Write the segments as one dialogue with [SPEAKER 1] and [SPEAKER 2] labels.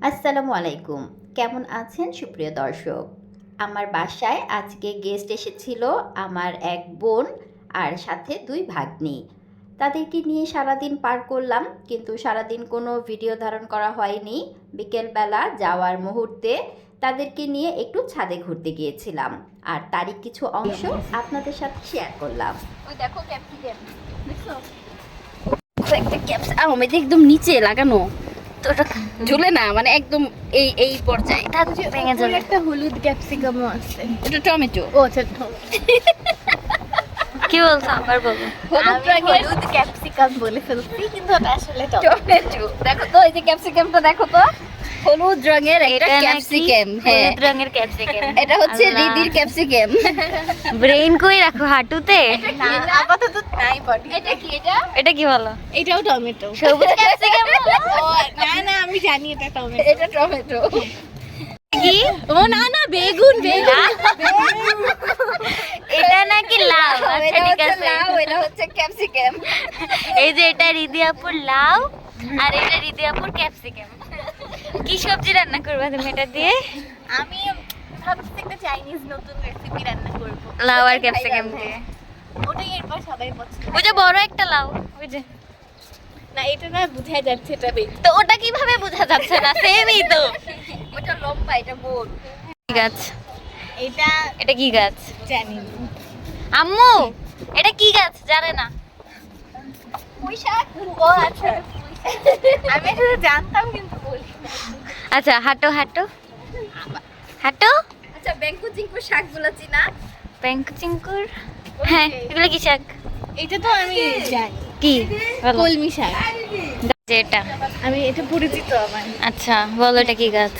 [SPEAKER 1] আসসালামু আলাইকুম। কেমন আছেন সুপ্রিয় দর্শক? আমার বাসায় আজকে গেস্ট এসেছিল আমার এক বোন আর সাথে ২ ভাগ্নি। তাদেরকে নিয়ে সারাদিন পার করলাম, কিন্তু সারাদিন কোনো ভিডিও ধারণ করা হয়নি। বিকেলবেলা যাওয়ার মুহূর্তে তাদেরকে নিয়ে একটু ছাদে ঘুরতে গিয়েছিলাম। আর তারই কিছু অংশ আপনাদের সাথে শেয়ার করলাম। ওই দেখো ক্যাপসিকাম। দেখছো? একটা ক্যাপসিকাম একদম নিচে লাগানো। তো ওটা ঝুলে না, মানে একদম এই পর্যায়ে ভেঙে যাবে।
[SPEAKER 2] একটা হলুদ ক্যাপসিকামও আছে।
[SPEAKER 1] এটা টমেটো।
[SPEAKER 2] ও আচ্ছা,
[SPEAKER 3] কি বলছো আবার বলো।
[SPEAKER 2] হলুদ ক্যাপসিকাম বলে ফেলছি, কিন্তু ওটা আসলে
[SPEAKER 1] টমেটো। দেখো তো, এই যে ক্যাপসিকামটা দেখো তো, হলুদ রঙের একটা ক্যাপসিকাম। হ্যাঁ,
[SPEAKER 3] হলুদ রঙের ক্যাপসিকাম।
[SPEAKER 1] এটা হচ্ছে
[SPEAKER 3] আল্লাহ।
[SPEAKER 1] রিদির ক্যাপসিকাম।
[SPEAKER 3] ব্রেন কই রাখো হাঁটুতে?
[SPEAKER 2] না, আপাতত নাই বডি।
[SPEAKER 1] এটা কি? এটা
[SPEAKER 3] এটা কি বলো?
[SPEAKER 2] এটাও টমেটো।
[SPEAKER 3] সবুজ ক্যাপসিকাম
[SPEAKER 2] ও না, আমি জানি এটা টমেটো।
[SPEAKER 1] এটা টমেটো।
[SPEAKER 3] কি?
[SPEAKER 2] ও না, বেগুন।
[SPEAKER 3] এটা নাকি লাউ? আচ্ছা
[SPEAKER 1] এটা
[SPEAKER 3] ঠিক
[SPEAKER 1] হচ্ছে
[SPEAKER 3] আছে।
[SPEAKER 1] লাউ, এটা হচ্ছে ক্যাপসিকাম।
[SPEAKER 3] এই যে এটা রিদি আপুর লাউ আর এটা রিদি আপুর ক্যাপসিকাম। কি সবজি রান্না করবে তুমি এটা দিয়ে?
[SPEAKER 2] আমি ভাবছি একটা চাইনিজ নতুন রেসিপি রান্না করব।
[SPEAKER 3] লাউ আর ক্যাপসিকাম দিয়ে।
[SPEAKER 2] ওটাই এরপর সবাই পছন্দ।
[SPEAKER 3] ওই যে বড় একটা লাউ, ওই যে।
[SPEAKER 2] না, এটা না বোঝা যাচ্ছে এটা বেগুন।
[SPEAKER 3] তো ওটা কিভাবে বোঝা যাচ্ছে না? সেমই তো।
[SPEAKER 1] ওটা লম্বা, এটা গোল।
[SPEAKER 3] কি গাছ?
[SPEAKER 2] এটা
[SPEAKER 3] এটা কি গাছ?
[SPEAKER 2] জানি না।
[SPEAKER 3] আম্মু এটা কি গাছ জানে না?
[SPEAKER 2] পুঁই শাক। ও আচ্ছা, আমি আসলে জানতাম কিন্তু বলি না।
[SPEAKER 3] আচ্ছা হাঁটো হাঁটো হাঁটো।
[SPEAKER 1] আচ্ছা, বেঙ্কু জিঙ্কু শাকগুলো চিনা?
[SPEAKER 3] ব্যাংক চিঙ্কুর। হ্যাঁ, এগুলো কি শাক?
[SPEAKER 2] এটা তো আমি জানি,
[SPEAKER 3] কি বলো?
[SPEAKER 2] কলমি শাক।
[SPEAKER 3] যে এটা।
[SPEAKER 2] আমি এটা পরিচিত আমার।
[SPEAKER 3] আচ্ছা বলো এটা কি গাছ?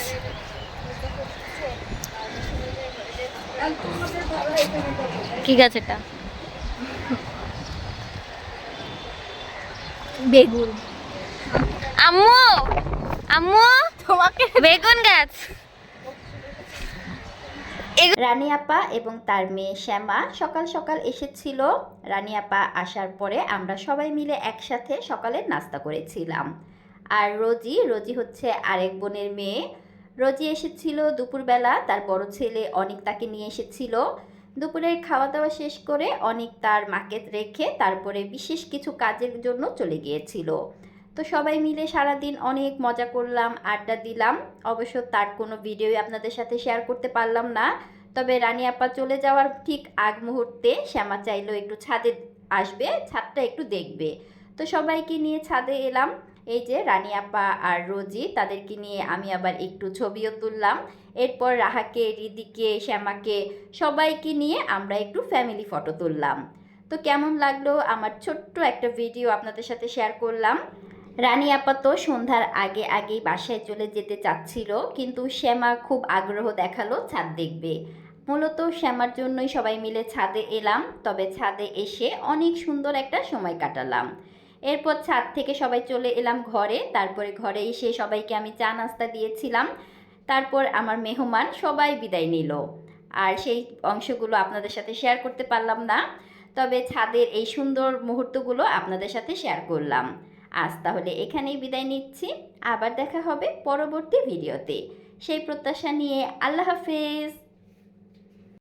[SPEAKER 3] কি গাছ এটা?
[SPEAKER 2] বেগুন।
[SPEAKER 3] আম্মু আম্মু
[SPEAKER 2] তোমাকে
[SPEAKER 3] বেগুন গাছ।
[SPEAKER 1] রানী আপা এবং তার মেয়ে শ্যামা সকাল সকাল এসেছিল। রানী আপা আসার পরে আমরা সবাই মিলে একসাথে সকালের নাস্তা করেছিলাম। আর রোজি হচ্ছে আরেক বোনের মেয়ে। রোজি এসেছিল দুপুরবেলা, তার বড় ছেলে অনিক তাকে নিয়ে এসেছিল। দুপুরের খাওয়া দাওয়া শেষ করে অনিক তার মাকে রেখে তারপরে বিশেষ কিছু কাজের জন্য চলে গিয়েছিল। তো সবাই মিলে সারাদিন অনেক মজা করলাম, আড্ডা দিলাম। অবশ্য তার কোনো ভিডিওই আপনাদের সাথে শেয়ার করতে পারলাম না। তবে রানী আপা চলে যাওয়ার ঠিক আগ মুহূর্তে শ্যামা চাইলো একটু ছাদে আসবে, ছাদটা একটু দেখবে। তো সবাইকে নিয়ে ছাদে এলাম। এই যে রানী আপা আর রোজি, তাদেরকে নিয়ে আমি আবার একটু ছবিও তুললাম। এরপর রাহাকে, রিদিকে, শ্যামাকে সবাইকে নিয়ে আমরা একটু ফ্যামিলি ফটো তুললাম। তো কেমন লাগলো আমার ছোট্ট একটা ভিডিও আপনাদের সাথে শেয়ার করলাম। রানী আপা তো সন্ধ্যার আগেই বাসায় চলে যেতে চাচ্ছিল, কিন্তু শ্যামা খুব আগ্রহ দেখালো ছাদ দেখবে। মূলত শ্যামার জন্যই সবাই মিলে ছাদে এলাম। তবে ছাদে এসে অনেক সুন্দর একটা সময় কাটালাম। এরপর ছাদ থেকে সবাই চলে এলাম ঘরে। তারপরে ঘরে এসে সবাইকে আমি চা নাস্তা দিয়েছিলাম। তারপর আমার মেহমান সবাই বিদায় নিল। আর সেই অংশগুলো আপনাদের সাথে শেয়ার করতে পারলাম না, তবে ছাদের এই সুন্দর মুহূর্তগুলো আপনাদের সাথে শেয়ার করলাম। আজ তাহলে এখানেই বিদায় নিচ্ছি। আবার দেখা হবে পরবর্তী ভিডিওতে। সেই প্রত্যাশা নিয়ে আল্লাহ হাফেজ।